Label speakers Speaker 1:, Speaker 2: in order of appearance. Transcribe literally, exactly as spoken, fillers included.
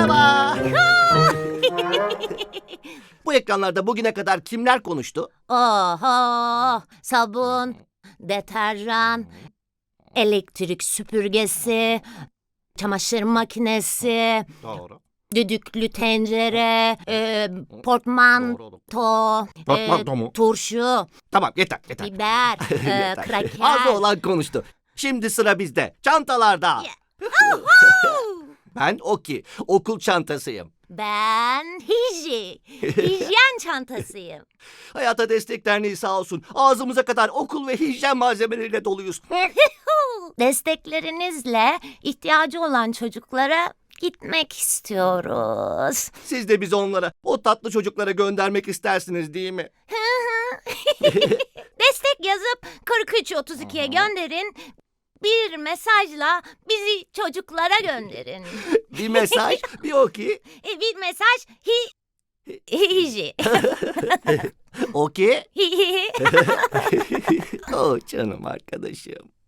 Speaker 1: Merhaba. Bu ekranlarda bugüne kadar kimler konuştu?
Speaker 2: Oho, sabun, deterjan, elektrik süpürgesi, çamaşır makinesi,
Speaker 1: Doğru.
Speaker 2: düdüklü tencere, e, portmanto, e,
Speaker 1: Portmanto mu?
Speaker 2: turşu,
Speaker 1: Tamam, yeter yeter.
Speaker 2: biber, e,
Speaker 1: Yeter.
Speaker 2: kraker.
Speaker 1: Az olan konuştu. Şimdi sıra bizde. Çantalarda. Ben Oki. Okul çantasıyım.
Speaker 2: Ben Hiji, hijyen çantasıyım.
Speaker 1: Hayata Destek Derneği sağ olsun. Ağzımıza kadar okul ve hijyen malzemeleriyle doluyuz.
Speaker 2: Desteklerinizle ihtiyacı olan çocuklara gitmek istiyoruz.
Speaker 1: Siz de bizi onlara, o tatlı çocuklara göndermek istersiniz değil mi?
Speaker 2: Destek yazıp kırk üç otuz ikiye gönderin. Bir mesajla bizi çocuklara gönderin.
Speaker 1: Bir mesaj, bir Oki.
Speaker 2: E, bir mesaj hi hiji.
Speaker 1: Oki. Oh canım arkadaşım.